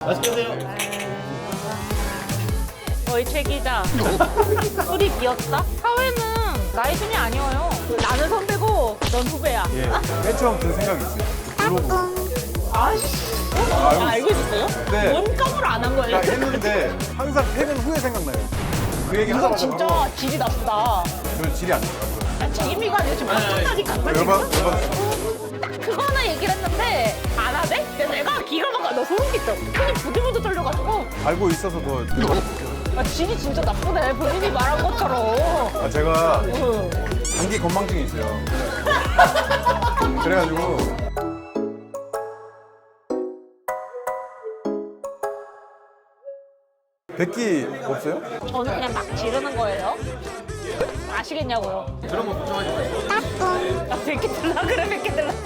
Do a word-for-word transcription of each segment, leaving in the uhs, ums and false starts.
맛있게 드세요. 저희 최 기자. 술이 비었다? 사회는 나이 순이 아니어요. 나는 선배고 넌 후배야. 예, 맨 처음 든 생각이 있어요. 블로그. 아씨. 아, 알고 있었어요? 네. 원감으로 안 한 거예요? 나 했는데 항상 퇴근 후에 생각나요. 그 얘기 이거 하자마자 진짜 바로 질이 나쁘다. 저는 질이 안 좋아요. 아, 재미가 아니라 지금 나쁘다니까. 열받, 열받. 그거 하나 얘기를 했는데 안 하대? 근데 내가 기가 막혀. 너 소름 끼쳐. 손이 부들부들 떨려가지고 알고 있어서 더. 아, 질이 진짜 나쁘네. 본인이 말한 것처럼. 아, 제가 응. 감기 건망증이 있어요. 그래가지고. 백기 없어요? 저는 그냥 막 지르는 거예요. 아시겠냐고요? 그런 거 걱정하지 마세요. 나 백 개 들라 그래, 백 개 들라.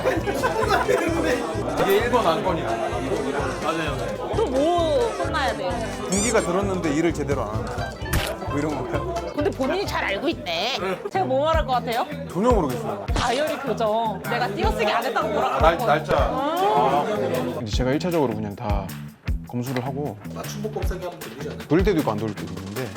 이게 일 번 안건이야. 맞아요. 또 뭐 혼나야 돼요? 분기가 들었는데 일을 제대로 안 한다. 뭐 이런 건가요? 근데 본인이 잘 알고 있네. 제가 뭐 말할 것 같아요? 전혀 모르겠어요. 다이어리 교정. 내가 띄어쓰기 안 했다고 뭐라 날, 그러고. 날짜. 아. 이제 제가 일 차적으로 그냥 다 검수를 하고 맞춤복법 사기 하면 되지 않아요? 돌릴 때도 있고 안 돌릴 때도 있는데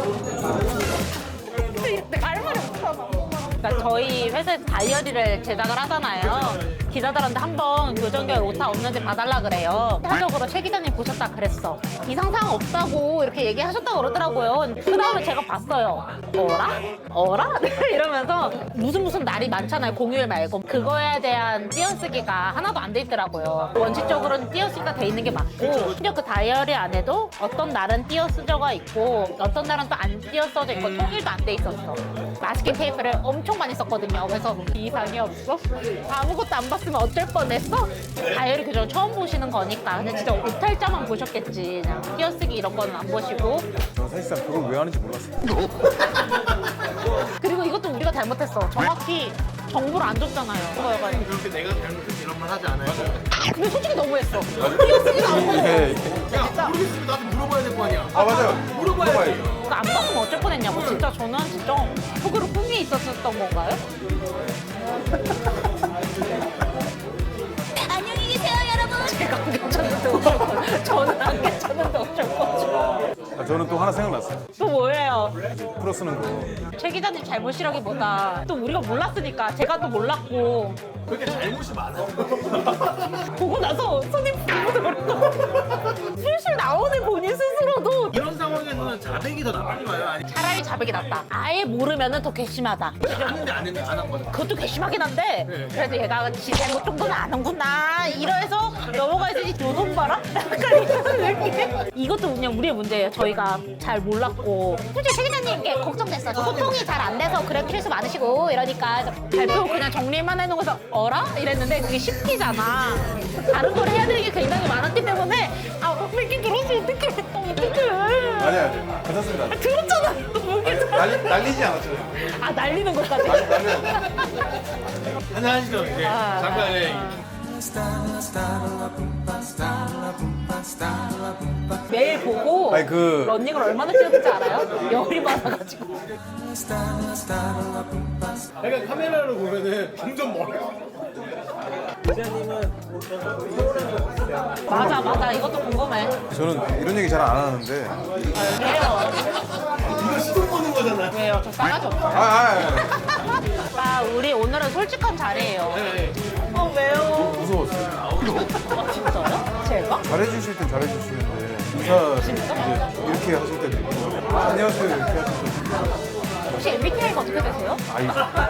내가 할 말이 없잖아. 그러니까 저희 회사에서 다이어리를 제작을 하잖아요. 기자들한테 한번 교정 결 오타 없는지 봐달라 그래요. 한적으로 최 기자님 보셨다 그랬어. 이상 사항 없다고 이렇게 얘기하셨다고 그러더라고요. 그 다음에 제가 봤어요. 어라? 어라? 이러면서 무슨 무슨 날이 많잖아요. 공휴일 말고. 그거에 대한 띄어쓰기가 하나도 안 돼 있더라고요. 원칙적으로는 띄어쓰기가 돼 있는 게 맞고 심지어 그 다이어리 안에도 어떤 날은 띄어쓰져가 있고 어떤 날은 또 안 띄어써져 있고 통일도 안 돼 있었어. 마스킹 테이프를 엄청 많이 썼거든요. 그래서 이상이 없어? 아무것도 안 봤으면 어쩔 뻔했어? 다이어리 교정 처음 보시는 거니까. 근데 진짜 오탈자만 보셨겠지. 그냥 띄어쓰기 이런 거는 안 보시고. 저는 사실상 그걸 왜 하는지 몰랐어요. 그리고 이것도 우리가 잘못했어. 정확히 정보를 안 줬잖아요. 그거여가지고. 그렇게 내가 잘못해서 이런 말 하지 않아요? 근데 솔직히 너무했어. 띄어쓰기도 안 보고. 예. 야, 모르겠으면 나한테 물어봐야 될 거 아니야. 아 맞아요. 물어봐야지. 그거 안 봤으면 어쩔 뻔했냐고. 진짜 저는 진짜 속으로 꿈이 있었던 건가요? 안녕히 계세요, 여러분. 제가 안 괜찮은데 어쩔 뻔. 저는 안 괜찮은데 어쩔 뻔. 아, 저는 또 하나 생각났어요. 또 뭐예요? 풀어 쓰는 거. 최 기자님 잘못이라기보다 또 우리가 몰랐으니까 제가 또 몰랐고 그렇게 잘못이 많아. 보고 나서 손이 부르더라고. 슬슬 나오는 본인 스스로도 이런 상황에서는 자백이 더 나쁜 거예요? 아니, 차라리 자백이 낫다. 아예 모르면은 더 괘씸하다. 하는데 안 했는데 안 한 거죠. 그것도 괘씸하긴 한데 네. 그래도 얘가 지 잘못 정도는 아는구나 이러해서 넘어가야지. 요놈 봐라? 약간 이런 느낌. 이것도 그냥 우리의 문제예요. 저희가 잘 몰랐고 솔직히 최 기자님께 걱정됐어. 소통이 잘 안 돼서 그래 실수 많으시고 이러니까 발표 그냥 정리만 해놓고서 어라? 이랬는데 그게 쉽기잖아. 다른 걸 해야 되는 게 굉장히 많았기 때문에 아 뺏기 들었어. 어떡해. 어떡해. 아니 아니 괜찮습니다. 들었잖아. 모르겠어. 날리, 날리지 않았죠. 아 날리는 것까지. 날려. 하나 하시죠. 네. 아, 잠깐, 네. 매일 보고 아니, 그- 런닝을 얼마나 뛰었는지 알아요? 열이 많아가지고. 약간 카메라로 보면은 점점 멀어. 맞아 맞아 이것도 궁금해. 저는 이런 얘기 잘 안 하는데. 왜요? 이거 시동 거는 거잖아. 왜요? 저 싸가지 없어요. 아, 아, 아, 아 우리 오늘은 솔직한 자리예요. 네. 어 왜요? 무서웠어요. 아 진짜요? 제가? 잘해주실 땐 잘해주시는데 인사 이제 이렇게 하실 때도 있고 아, 안녕하세요 이렇게 하실 때도 있고 혹시 엠비티아이가 어떻게 되세요? 아이,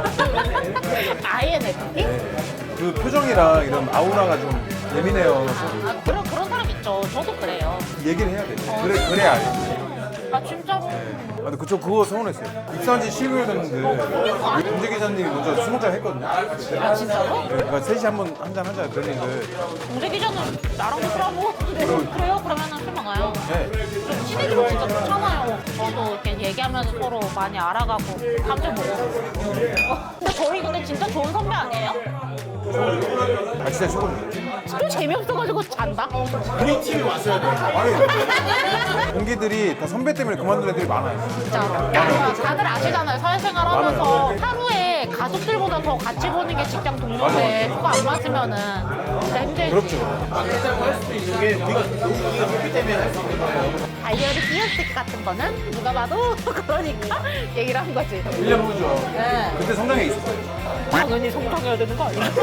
아이엔에프피? 그 표정이랑 이런 아우라가 좀 예민해요. 아 그런 그런 사람 있죠. 저도 그래요. 얘기를 해야 돼. 그래 그래 알지. 아 진짜로? 아, 근데 그쪽 그거 서운했어요. 입사한 지 십 일 됐는데 문재 기자님이 먼저 스무 잔 했거든요. 아 진짜로? 그러니까 셋이 한번 한잔 하자 그랬는데 공재 기자는 나랑 술 안 먹었는데 그래요? 그러면은 술 먹어요. 네. 좀 친해지면 진짜 좋잖아요. 저도 이렇게 얘기하면 서로 많이 알아가고 감정 먹어. 어, 근데 저희 근데 진짜 좋은 선배 아니에요? 아 진짜 최고죠. 좀 재미없어가지고 잔다? 우리 팀이 왔어야 돼. 아니 동기들이 다 선배 때문에 그만둔 애들이 많아요. 진짜로. 다들 아시잖아요. 사회생활 하면서 하루에 가족들보다 더 같이 보는 게 직장 동료인데 그거 안 맞으면은 진짜 힘들지. 그렇죠. 맞겠다고 할 수도 있는 게 우리가 우리가 좋기 때문에 할 수 있는 거예요. 다이어리 띄어쓰기 같은 거는 누가 봐도 그러니까 얘기를 한 거지. 일 년 후죠. 네. 그때 성장해 있었어요. 당연히 성장해야 되는 거 아니야?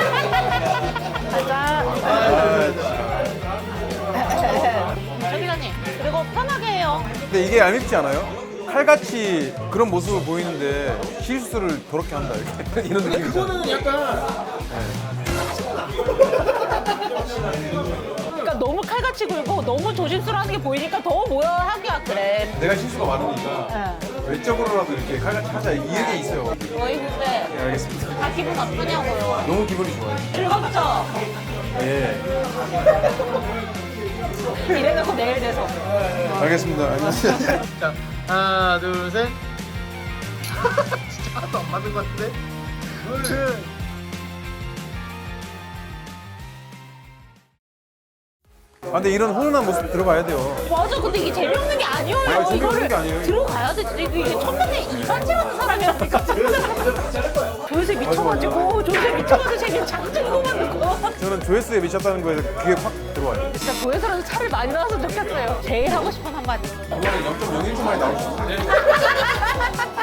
가자. 조 기자님, 그리고 편하게 해요. 근데 이게 얄밉지 않아요? 칼같이 그런 모습을 보이는데 실수를 더럽게 한다 이렇게 이런 느낌이죠. 그거는 약간 그러니까 너무 칼같이 굴고 너무 조심스러워하는 게 보이니까 더 뭐야 하기야 그래. 내가 실수가 많으니까 네. 외적으로라도 이렇게 칼같이 하자 이게 있어요. 저희 후배 네, 알겠습니다. 다 기분 나쁘냐고요. 너무 기분이 좋아요. 즐겁죠? 예. 이래놓고 내일 돼서. 알겠습니다. 알겠습니다. 자 하나 둘 셋. 진짜 하나도 안 맞는 것 같은데. 둘. 아, 근데 이런 훈훈한 모습 들어가야 돼요. 맞아, 근데 이게 재미없는 게 아니에요. 아니, 재미없는 이거를 게 아니에요. 들어가야 돼. 진짜 이게 첫번째 이간질하는 사람이라니까. 조세 미쳐가지고 조세 미쳐가지고 재미 장증도 만들고. 저는 조회수에 미쳤다는 거에 그게 확 들어와요. 진짜 조회수라도 차를 많이 나왔으면 좋겠어요. 제일 하고 싶은 한마디. 그거는 영 점 영일 초 만에 나올 수 있어요.